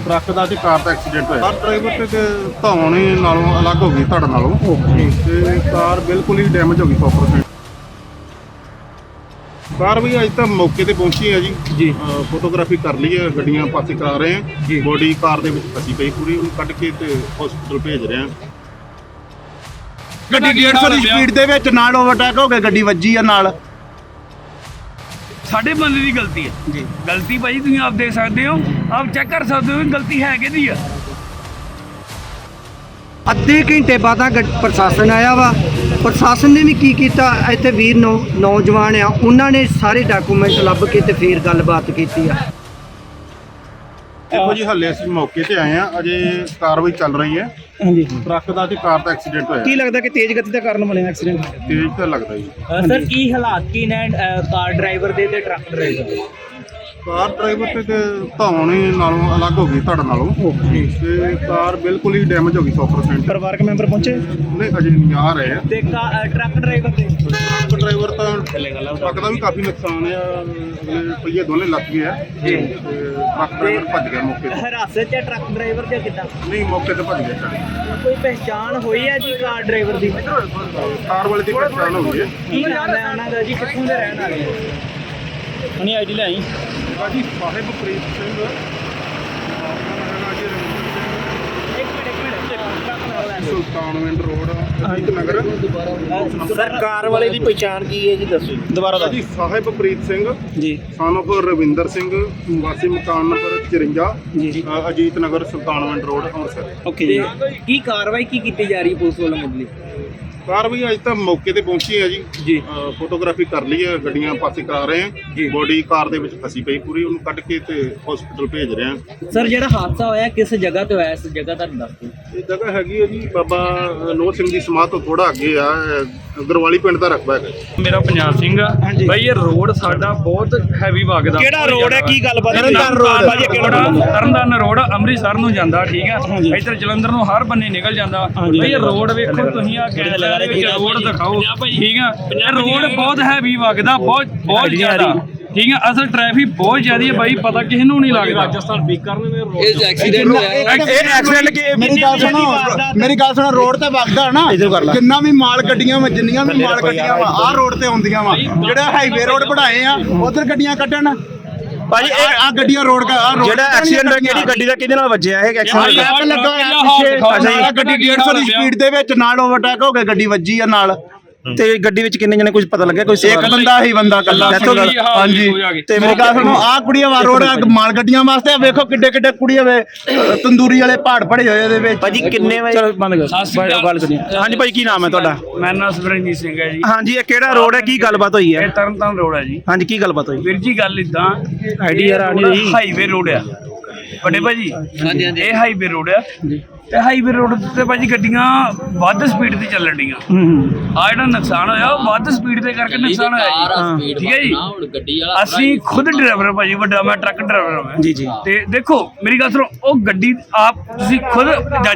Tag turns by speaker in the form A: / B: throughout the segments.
A: Truck ਦਾ ਤੇ ਕਾਰ ਦਾ accident ਹੋਇਆ। Car driver ਤੇ ਧੌਣ ਨਾਲੋਂ ਅਲੱਗ ਹੋ ਗਈ ਧੜ ਨਾਲੋਂ ਤੇ ਕਾਰ ਬਿਲਕੁਲ ਹੀ ਡੈਮੇਜ ਹੋ ਗਈ 100%। ਕਾਰ ਵੀ ਅੱਜ ਤਾਂ ਮੌਕੇ ਤੇ ਪਹੁੰਚੀ ਹੈ ਜੀ। ਫੋਟੋਗ੍ਰਾਫੀ ਕਰ ਲਈ ਹੈ, ਗੱਡੀਆਂ ਪਾਸੇ ਕਰਾ ਰਹੇ ਹਾਂ। ਬੋਡੀ ਕਾਰ ਦੇ ਵਿੱਚ ਫਸੀ ਪਈ ਪੂਰੀ, ਉਹਨੂੰ ਕੱਢ ਕੇ ਤੇ ਹਸਪੀਟਲ ਭੇਜ ਰਹੇ ਹਾਂ।
B: ਗੱਡੀ 150 ਦੀ ਸਪੀਡ ਦੇ ਵਿੱਚ ਨਾਲ ਓਵਰਟੇਕ ਹੋ ਕੇ ਗੱਡੀ ਵੱਜੀ ਆ ਨਾਲ।
C: ਸਾਡੇ ਬੰਦੇ ਦੀ ਗਲਤੀ ਹੈ ਜੀ। ਗਲਤੀ ਭਾਈ ਤੁਸੀਂ ਆਪ ਦੇਖ ਸਕਦੇ ਹੋ, ਆਪ ਚੈੱਕ ਕਰ ਸਕਦੇ ਹੋ ਗਲਤੀ ਹੈ ਕਿਹਦੀ ਆ।
D: ਅੱਧੇ ਘੰਟੇ ਬਾਅਦ ਪ੍ਰਸ਼ਾਸਨ ਆਇਆ ਵਾ। ਪ੍ਰਸ਼ਾਸਨ ਨੇ ਵੀ ਕੀ ਕੀਤਾ, ਇੱਥੇ ਵੀਰ ਨੌਜਵਾਨ ਆ, ਉਹਨਾਂ ਨੇ ਸਾਰੇ ਡਾਕੂਮੈਂਟ ਲੱਭ ਕੇ ਤੇ ਫਿਰ ਗੱਲਬਾਤ ਕੀਤੀ ਆ।
A: ਦੇਖੋ ਜੀ, ਹੱਲੇ ਅਸੀਂ ਮੌਕੇ ਤੇ ਆਏ ਆ, ਅਜੇ ਕਾਰਵਾਈ ਚੱਲ ਰਹੀ ਹੈ।
D: ਹਾਂਜੀ,
A: ਟਰੱਕ ਦਾ ਤੇ ਕਾਰ ਦਾ ਐਕਸੀਡੈਂਟ ਹੋਇਆ।
D: ਕੀ ਲੱਗਦਾ ਕਿ ਤੇਜ਼ ਗਤੀ ਦਾ ਕਾਰਨ ਬਣਿਆ ਐਕਸੀਡੈਂਟ?
A: ਤੇਜ਼ ਤਾਂ ਲੱਗਦਾ ਜੀ।
E: ਸਰ ਕੀ ਹਾਲਾਤ ਕੀ ਨੇ ਕਾਰ ਡਰਾਈਵਰ ਦੇ ਤੇ ਟਰੱਕ ਡਰਾਈਵਰ ਦੇ?
A: ਕਾਰ ਡਰਾਈਵਰ ਤੇ ਧੌਣ ਨਾਲੋਂ ਅਲੱਗ ਹੋ ਗਈ ਧੜ ਨਾਲੋਂ ਤੇ ਕਾਰ ਬਿਲਕੁਲ ਹੀ ਡੈਮੇਜ ਹੋ ਗਈ 100%।
D: ਪਰਿਵਾਰਕ ਮੈਂਬਰ ਪਹੁੰਚੇ?
A: ਨਹੀਂ, ਅਜੇ ਨਹੀਂ ਆ ਰਹੇ ਆ।
E: ਤੇ ਟਰੱਕ ਡਰਾਈਵਰ ਦੇ?
A: ਟਰੱਕ ਡਰਾਈਵਰ ਤਾਂ ਟਰੱਕ ਦਾ ਵੀ ਕਾਫੀ ਨੁਕਸਾਨ ਆ, ਅਗਲੇ ਪਹੀਏ ਦੋਨੇ ਲੱਗ ਗਏ ਆ ਤੇ ਟਰੱਕ ਡਰਾਈਵਰ ਭੱਜ ਗਿਆ ਮੌਕੇ ਤੇ।
E: ਹਿਰਾਸਤ 'ਚ ਟਰੱਕ ਡਰਾਈਵਰ ਜਾਂ ਕਿੱਦਾਂ?
A: ਨਹੀਂ, ਮੌਕੇ ਤੇ ਭੱਜ ਗਿਆ।
E: ਕੋਈ ਪਹਿਚਾਣ ਹੋਈ ਹੈ ਜੀ ਕਾਰ ਡਰਾਈਵਰ ਦੀ?
A: ਕਾਰ ਵਾਲੇ ਦੀ ਪਛਾਣ ਹੋ ਗਈ ਹੈ।
E: ਕੀ ਨਾਮ ਹੈ ਉਹਨਾਂ ਦਾ ਜੀ, ਕਿੱਥੋਂ ਦੇ ਰਹਿਣ ਵਾਲੇ?
D: ਹਣੀ ਆਈਡੀ ਲੈ ਆਈ
A: ਬਾਜੀ Sahibpreet Singh, Sultanwind road, Ajit Nagar.
E: Sir car ਵਾਲੇ ਦੀ ਪਹਿਚਾਣ ਕੀ ਹੈ ਜੀ, ਦੱਸੋ
D: ਦੁਬਾਰਾ ਦਾ
A: ਜੀ। ਸਾਹਿਬਪ੍ਰੀਤ ਸਿੰਘ
D: ਜੀ,
A: son of ਰਵਿੰਦਰ ਸਿੰਘ, ਵਾਸੀ ਮਕਾਨ ਨੰਬਰ 54
D: ਜੀ,
A: ਅਜੀਤ ਨਗਰ, ਸੁਲਤਾਨਵਿੰਡ ਰੋਡ, ਅੰਮ੍ਰਿਤਸਰ।
D: ਓਕੇ ਜੀ।
E: ਕੀ ਕਾਰਵਾਈ ਕੀ ਕੀਤੀ ਜਾ ਰਹੀ ਹੈ ਪੁਲਿਸ ਵੱਲੋਂ ਮੁੱਢਲੀ?
A: ਕਾਰ ਵੀ ਅੱਜ ਤਾਂ ਮੌਕੇ ਤੇ ਪਹੁੰਚੀ ਹੈ ਜੀ। ਫੋਟੋਗ੍ਰਾਫੀ ਕਰ ਲਈ ਹੈ, ਗੱਡੀਆਂ ਪਾਸੇ ਕਰਾ ਰਹੇ ਹਾਂ। ਬੋਡੀ ਕਾਰ ਦੇ ਵਿੱਚ ਫਸੀ ਪਈ ਪੂਰੀ, ਉਹਨੂੰ ਕੱਢ ਕੇ ਤੇ ਹਸਪੀਟਲ ਭੇਜ ਰਹੇ ਹਾਂ।
E: ਸਰ ਜਿਹੜਾ ਹਾਦਸਾ ਹੋਇਆ ਕਿਸ ਜਗ੍ਹਾ ਤੇ ਹੋਇਆ, ਇਸ ਜਗ੍ਹਾ ਦਾ ਦੱਸ ਦਿਓ।
A: ਇਹ ਜਗ੍ਹਾ ਹੈਗੀ ਹੈ ਜੀ ਬਾਬਾ ਨੋਹ ਸਿੰਘ ਦੀ ਸਮਾਧ ਤੋਂ ਥੋੜਾ ਅੱਗੇ ਆ, ਗਰਵਾਲੀ ਪਿੰਡ ਦਾ ਰਕਬਾ ਹੈਗਾ।
C: ਮੇਰਾ ਪੰਜਾਬ ਸਿੰਘ ਆ ਬਾਈ। ਇਹ ਰੋਡ ਸਾਡਾ ਬਹੁਤ ਹੈਵੀ ਵਗਦਾ।
D: ਕਿਹੜਾ ਰੋਡ ਹੈ, ਕੀ ਗੱਲਬਾਤ?
C: ਤਰਨਤਾਰਨ ਰੋਡ ਅੰਮ੍ਰਿਤਸਰ ਨੂੰ ਜਾਂਦਾ, ਠੀਕ ਹੈ। ਇੱਧਰ ਜਲੰਧਰ ਨੂੰ ਹਰ ਬੰਨੇ ਨਿਕਲ ਜਾਂਦਾ ਬਈ। ਇਹ ਰੋਡ ਵੇਖੋ ਤੁਸੀਂ, ਆ ਰੋਡ ਦਿਖਾਓ, ਠੀਕ ਆ। ਇਹ ਰੋਡ ਬਹੁਤ ਹੈਵੀ ਵਗਦਾ, ਬਹੁਤ ਜ਼ਿਆਦਾ, ਠੀਕ ਹੈ। ਅਸਲ ਟ੍ਰੈਫਿਕ ਬਹੁਤ ਜ਼ਿਆਦਾ ਹੈ ਬਾਈ, ਪਤਾ ਕਿਸੇ ਨੂੰ ਨਹੀਂ ਲੱਗਦਾ। ਰਾਜਸਥਾਨ ਬੀਕਾਨੇਰ ਰੋਡ ਇਹ ਐਕਸੀਡੈਂਟ ਹੋਇਆ।
B: ਇਹ ਐਕਸੀਡੈਂਟ ਕੀ? ਮੇਰੀ ਗੱਲ ਸੁਣੋ, ਰੋਡ ਤੇ ਵਗਦਾ ਨਾ, ਜਿੰਨਾ ਵੀ ਮਾਲ ਗੱਡੀਆਂ ਵਾ, ਜਿੰਨੀਆਂ ਵੀ ਮਾਲ ਗੱਡੀਆਂ ਵਾ ਆਹ ਰੋਡ ਤੇ ਆਉਂਦੀਆਂ ਵਾ। ਜਿਹੜਾ ਹਾਈਵੇ ਰੋਡ ਬਣਾਏ ਆ ਉਧਰ ਗੱਡੀਆਂ ਕੱਢਣ ਭਾਜੀ। ਇਹ ਆ ਗੱਡੀਆਂ ਰੋਡ ਜਿਹੜਾ ਐਕਸੀਡੈਂਟ ਹੋਇਆ, ਕਿਹੜੀ ਗੱਡੀ ਦਾ ਕਿਹਦੇ ਨਾਲ ਵੱਜਿਆ? ਇਹ ਐਕਸੀਡੈਂਟ ਲੱਗਾ ਹੋਇਆ ਗੱਡੀ 150 ਦੀ ਸਪੀਡ ਦੇ ਵਿੱਚ ਨਾਲ ਓਵਰਟੇਕ ਹੋ ਕੇ ਗੱਡੀ ਵੱਜੀ ਆ ਨਾਲ। ਤੇ ਗੱਡੀ ਵਿੱਚ ਕਿੰਨੇ ਜਣੇ ਕੁਝ ਪਤਾ ਲੱਗਿਆ? ਕੋਈ ਇੱਕ ਬੰਦਾ ਹੀ ਬੰਦਾ ਕੱਲਾ। ਹਾਂਜੀ, ਤੇ ਮੇਰੀ ਗੱਲ ਸੁਣੋ, ਆਹ ਕੁੜੀਆਂ ਵਾ ਰੋਡ ਮਾਲ ਗੱਡੀਆਂ ਵਾਸਤੇ ਵੇਖੋ ਕਿੱਡੇ ਕਿੱਡੇ ਕੁੜੀਆਂ ਵੇ ਤੰਦੂਰੀ ਵਾਲੇ ਪਹਾੜ ਪੜੇ ਹੋਏ ਇਹਦੇ ਵਿੱਚ। ਭਾਜੀ ਕਿੰਨੇ ਵਜੇ? ਚਲੋ ਬੰਦ ਕਰ ਗੱਲ ਕਰੀਏ। ਹਾਂਜੀ ਭਾਈ, ਕੀ ਨਾਮ ਹੈ ਤੁਹਾਡਾ?
C: ਮੇਰਾ ਨਾਮ ਸਵਰਨਜੀਤ ਸਿੰਘ ਹੈ ਜੀ।
D: ਹਾਂਜੀ, ਇਹ ਕਿਹੜਾ ਰੋਡ ਹੈ, ਕੀ ਗੱਲਬਾਤ ਹੋਈ ਹੈ?
C: ਇਹ ਤਰਨਤਾਰਨ ਰੋਡ ਹੈ ਜੀ।
D: ਹਾਂਜੀ, ਕੀ ਗੱਲਬਾਤ ਹੋਈ?
C: ਵੀਰ ਜੀ ਗੱਲ ਇਦਾਂ,
D: ਆਈਡੀ ਯਾਰ ਆ ਨਹੀਂ ਰਹੀ।
C: ਹਾਈਵੇ ਰੋਡ ਆ ਵੱਡੇ ਭਾਜੀ। ਹਾਂਜੀ, ਇਹ ਹਾਈਵੇ ਰੋਡ ਆ ਤੇ ਹਾਈਵੇ ਰੋਡ ਤੇ ਭਾਜੀ ਗੱਡੀਆਂ ਵੱਧ ਸਪੀਡ ਤੇ ਚੱਲਣ ਡੀਆਂ। ਆ ਜਿਹੜਾ ਨੁਕਸਾਨ ਹੋਇਆ ਉਹ ਵੱਧ ਸਪੀਡ ਤੇ ਕਰਕੇ ਨੁਕਸਾਨ ਹੋਇਆ ਜੀ, ਠੀਕ ਹੈ ਜੀ। ਅਸੀਂ ਖੁਦ ਡਰਾਈਵਰ ਭਾਜੀ, ਵੱਡਾ ਮੈਂ ਟਰੱਕ ਡਰਾਈਵਰ ਹਾਂ
D: ਜੀ ਜੀ।
C: ਤੇ ਦੇਖੋ ਮੇਰੀ ਗੱਲ ਸੁਣੋ, ਉਹ ਗੱਡੀ ਆਪ ਤੁਸੀਂ ਖੁਦ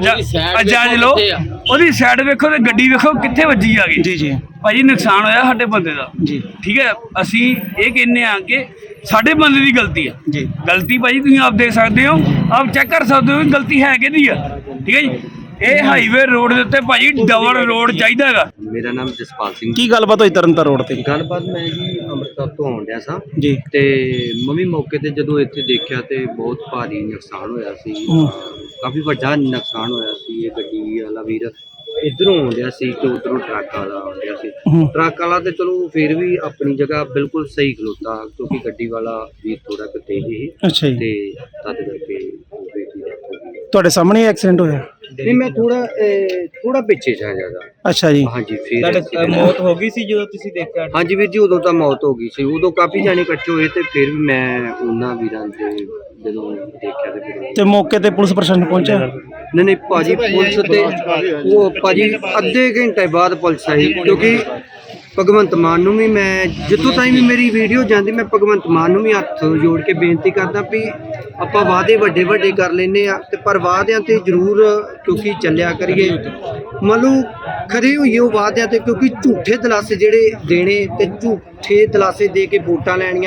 C: ਜਾਇਜ਼ ਲਓ, ਉਹਦੀ ਸਾਈਡ ਵੇਖੋ ਤੇ ਗੱਡੀ ਵੇਖੋ ਕਿੱਥੇ ਵੱਜੀ ਆ ਗਈ।
D: ਜੀ ਜੀ
C: ਭਾਜੀ, ਨੁਕਸਾਨ ਹੋਇਆ ਸਾਡੇ ਬੰਦੇ ਦਾ
D: ਜੀ,
C: ਠੀਕ ਹੈ। ਅਸੀਂ ਇਹ ਕਹਿੰਦੇ ਆ ਕਿ ਸਾਡੇ ਬੰਦੇ ਦੀ ਗਲਤੀ ਆ
D: ਜੀ।
C: ਗਲਤੀ ਭਾਜੀ ਤੁਸੀਂ ਆਪ ਦੇਖ ਸਕਦੇ ਹੋ, ਆਪ ਚੈੱਕ ਕਰ ਸਕਦੇ ਹੋ ਗਲਤੀ ਹੈ ਕਿਹਦੀ ਆ, ਠੀਕ ਹੈ ਜੀ। ਇਹ ਹਾਈਵੇ ਰੋਡ ਦੇ ਉੱਤੇ ਭਾਜੀ ਡਬਲ ਰੋਡ ਚਾਹੀਦਾ ਹੈਗਾ।
F: ਮੇਰਾ ਨਾਮ ਜਸਪਾਲ ਸਿੰਘ।
D: ਕੀ ਗੱਲਬਾਤ ਹੋਈ ਤਰਨਤਾਰਨ ਰੋਡ ਤੇ?
F: ਗੱਲਬਾਤ, ਮੈਂ ਜੀ ਅੰਮ੍ਰਿਤਸਰ ਤੋਂ ਆਉਣ ਡਿਆ ਸਾਂ
D: ਜੀ,
F: ਤੇ ਮੰਮੀ ਮੌਕੇ ਤੇ ਜਦੋਂ ਇੱਥੇ ਦੇਖਿਆ ਤੇ ਬਹੁਤ ਭਾਰੀ ਨੁਕਸਾਨ ਹੋਇਆ ਸੀ। ਕਾਫੀ ਵੱਡਾ ਨੁਕਸਾਨ ਹੋਇਆ ਸੀ। ਇਹ ਗੱਡੀ ਵਾਲਾ ਵੀਰ ਇੱਧਰੋਂ ਆਉਂਦਿਆ ਸੀ ਤੇ ਉੱਧਰੋਂ ਟਰੱਕ ਵਾਲਾ ਆਉਂਦਿਆ ਸੀ। ਟਰੱਕ ਵਾਲਾ ਤੇ ਚਲੋ ਫਿਰ ਵੀ ਆਪਣੀ ਜਗ੍ਹਾ ਬਿਲਕੁਲ ਸਹੀ ਖਲੋਤਾ, ਕਿਉਂਕਿ ਗੱਡੀ ਵਾਲਾ ਵੀ ਥੋੜਾ ਕੁ ਤੇਜ਼ ਸੀ।
D: ਅੱਛਾ ਜੀ।
F: ਤੇ ਤਦ ਕਰਕੇ ਬੇਟੀ ਦਾ
D: ਤੁਹਾਡੇ ਸਾਹਮਣੇ ਐਕਸੀਡੈਂਟ ਹੋਇਆ?
F: ਨਹੀਂ, ਮੈਂ ਥੋੜਾ ਪਿੱਛੇ ਸੀ ਜ਼ਿਆਦਾ।
D: ਅੱਛਾ ਜੀ।
F: ਹਾਂਜੀ, ਫਿਰ
E: ਮੌਤ ਹੋ ਗਈ ਸੀ ਜਦੋਂ ਤੁਸੀਂ ਦੇਖਿਆ?
F: ਹਾਂਜੀ ਵੀਰ ਜੀ, ਉਦੋਂ ਤਾਂ ਮੌਤ ਹੋ ਗਈ ਸੀ। ਉਦੋਂ ਕਾਫੀ ਜਾਣੇ ਇਕੱਠੇ ਹੋਏ ਤੇ ਫਿਰ ਵੀ ਮੈਂ ਉਹਨਾਂ ਵੀਰਾਂ ਦੇ ਜਦੋਂ ਦੇਖਿਆ ਤੇ ਫਿਰ
D: ਤੇ ਮੌਕੇ ਤੇ ਪੁਲਿਸ ਪ੍ਰਸ਼ਾਸਨ ਪਹੁੰਚਿਆ?
F: ਨਹੀਂ ਭਾਜੀ, ਪੁਲਿਸ ਤੇ ਉਹ ਭਾਜੀ ਅੱਧੇ ਘੰਟੇ ਬਾਅਦ ਪੁਲਿਸ ਆਈ, ਕਿਉਂਕਿ ਭਗਵੰਤ ਮਾਨ ਨੂੰ ਵੀ ਮੈਂ ਜਿੱਥੋਂ ਤਾਈਂ ਵੀ ਮੇਰੀ ਵੀਡੀਓ ਜਾਂਦੀ, ਮੈਂ ਭਗਵੰਤ ਮਾਨ ਨੂੰ ਵੀ ਹੱਥ ਜੋੜ ਕੇ ਬੇਨਤੀ ਕਰਦਾ ਵੀ ਆਪਾਂ ਵਾਅਦੇ ਵੱਡੇ ਵੱਡੇ ਕਰ ਲੈਂਦੇ ਆ ਤੇ ਪਰ ਵਾਅਦਿਆਂ ਤੇ ਜ਼ਰੂਰ ਕਿਉਂਕਿ ਚੱਲਿਆ ਕਰੀਏ। ਮੰਨ ਲਓ ਖਰੇ ਹੋਈਏ ਉਹ ਵਾਅਦਿਆਂ ਤੇ, ਕਿਉਂਕਿ ਝੂਠੇ ਦਲਾਸੇ ਜਿਹੜੇ ਦੇਣੇ ਤੇ ਝੂਠੇ ਦਲਾਸੇ ਦੇ ਕੇ ਵੋਟਾਂ ਲੈਣੀਆਂ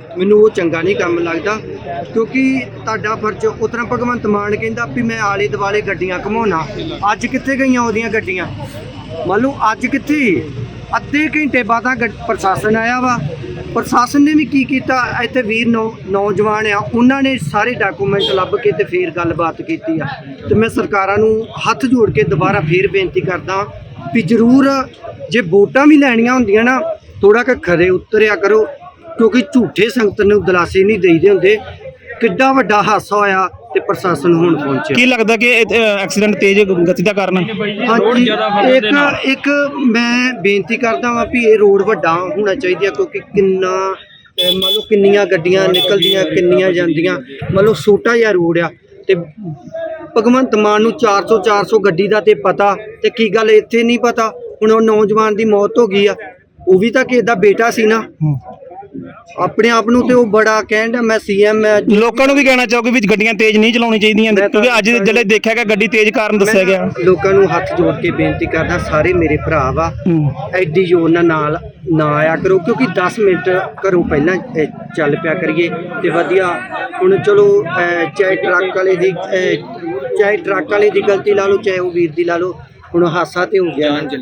F: ਮੈਨੂੰ ਉਹ ਚੰਗਾ ਨਹੀਂ ਕੰਮ ਲੱਗਦਾ, ਕਿਉਂਕਿ ਤੁਹਾਡਾ ਫਰਜ਼ ਉਤਰਾ ਭਗਵੰਤ ਮਾਨ ਕਹਿੰਦਾ ਵੀ ਮੈਂ ਆਲੇ ਦੁਆਲੇ ਗੱਡੀਆਂ ਘੁਮਾਉਣਾ। ਅੱਜ ਕਿੱਥੇ ਗਈਆਂ ਉਹਦੀਆਂ ਗੱਡੀਆਂ? ਮੰਨ ਲਓ ਅੱਜ ਕਿੱਥੇ? ਅੱਧੇ ਘੰਟੇ ਬਾਅਦ ਪ੍ਰਸ਼ਾਸਨ ਆਇਆ ਵਾ। ਪ੍ਰਸ਼ਾਸਨ ਨੇ ਵੀ ਕੀ ਕੀਤਾ, ਇੱਥੇ ਵੀਰ ਨੌਜਵਾਨ ਆ, ਉਹਨਾਂ ਨੇ ਸਾਰੇ ਡਾਕੂਮੈਂਟ ਲੱਭ ਕੇ ਤੇ ਫੇਰ ਗੱਲਬਾਤ ਕੀਤੀ ਆ। ਤੇ ਮੈਂ ਸਰਕਾਰਾਂ ਨੂੰ ਹੱਥ ਜੋੜ ਕੇ ਦੁਬਾਰਾ ਫੇਰ ਬੇਨਤੀ ਕਰਦਾ ਵੀ ਜ਼ਰੂਰ ਜੇ ਵੋਟਾਂ ਵੀ ਲੈਣੀਆਂ ਹੁੰਦੀਆਂ ਨਾ, ਥੋੜਾ ਕੁ ਖਰੇ ਉਤਰਿਆ ਕਰੋ, ਕਿਉਂਕਿ ਝੂਠੇ ਸੰਗਤ ਨੂੰ ਦਿਲਾਸੇ ਨਹੀਂ ਦੇਈਦੇ ਹੁੰਦੇ। ਕਿੱਡਾ ਵੱਡਾ ਹਾਦਸਾ ਹੋਇਆ ਤੇ ਪ੍ਰਸ਼ਾਸਨ ਹੁਣ ਪਹੁੰਚਿਆ।
G: ਕੀ ਲੱਗਦਾ ਕਿ ਐਕਸੀਡੈਂਟ ਤੇਜ਼ ਗਤੀ ਦਾ ਕਾਰਨ?
C: ਰੋਡ ਜ਼ਿਆਦਾ ਫਸਣ ਦੇ ਨਾਲ
F: ਇੱਕ ਮੈਂ ਬੇਨਤੀ ਕਰਦਾ ਵਾਂ ਵੀ ਇਹ ਰੋਡ ਵੱਡਾ ਹੋਣਾ ਚਾਹੀਦਾ, ਕਿਉਂਕਿ ਕਿੰਨਾ ਮੰਨ ਲਓ ਕਿੰਨੀਆਂ ਗੱਡੀਆਂ ਨਿਕਲਦੀਆਂ, ਕਿੰਨੀਆਂ ਜਾਂਦੀਆਂ। ਮੰਨ ਲਓ ਛੋਟਾ ਜਿਹਾ ਰੋਡ ਆ ਤੇ ਭਗਵੰਤ ਮਾਨ ਨੂੰ 400 ਗੱਡੀ ਦਾ ਤੇ ਪਤਾ, ਤੇ ਕੀ ਗੱਲ ਇੱਥੇ ਨਹੀਂ ਪਤਾ? ਹੁਣ ਉਹ ਨੌਜਵਾਨ ਦੀ ਮੌਤ ਹੋ ਗਈ ਆ, ਉਹ ਵੀ ਤਾਂ ਕਿਸੇ ਦਾ ਬੇਟਾ ਸੀ ਨਾ। ਆਪਣੇ ਆਪ ਨੂੰ ਤੇ ਉਹ ਬੜਾ ਕਹਿੰਦਾ ਮੈਂ ਸੀਐਮ ਮੈਂ।
G: ਲੋਕਾਂ ਨੂੰ ਵੀ ਕਹਿਣਾ ਚਾਹੋਗੇ ਵੀ ਗੱਡੀਆਂ ਤੇਜ਼ ਨਹੀਂ ਚਲਾਉਣੀ ਚਾਹੀਦੀਆਂ, ਕਿਉਂਕਿ ਅੱਜ ਜਿਹੜੇ ਦੇਖਿਆ ਗਿਆ ਗੱਡੀ ਤੇਜ਼ ਕਾਰਨ ਦੱਸਿਆ ਗਿਆ।
F: ਲੋਕਾਂ ਨੂੰ ਹੱਥ ਜੋੜ ਕੇ ਬੇਨਤੀ ਕਰਦਾ, ਸਾਰੇ ਮੇਰੇ ਭਰਾ ਵਾ, ਐਡੀ ਜ਼ੋਰ ਨਾਲ ਨਾ ਆਇਆ ਕਰੋ, ਕਿਉਂਕਿ 10 ਮਿੰਟ ਘਰੋਂ ਪਹਿਲਾਂ ਚੱਲ ਪਿਆ ਕਰੀਏ ਤੇ ਵਧੀਆ। ਹੁਣ ਚਲੋ ਚਾਹੇ ਟਰੱਕ ਵਾਲੇ ਦੀ ਗਲਤੀ ਲਾ ਲਓ, ਚਾਹੇ ਉਹ ਵੀਰ ਦੀ ਲਾ ਲਓ, ਹੁਣ ਹਾਸਾ ਤੇ ਹੋ ਗਿਆ।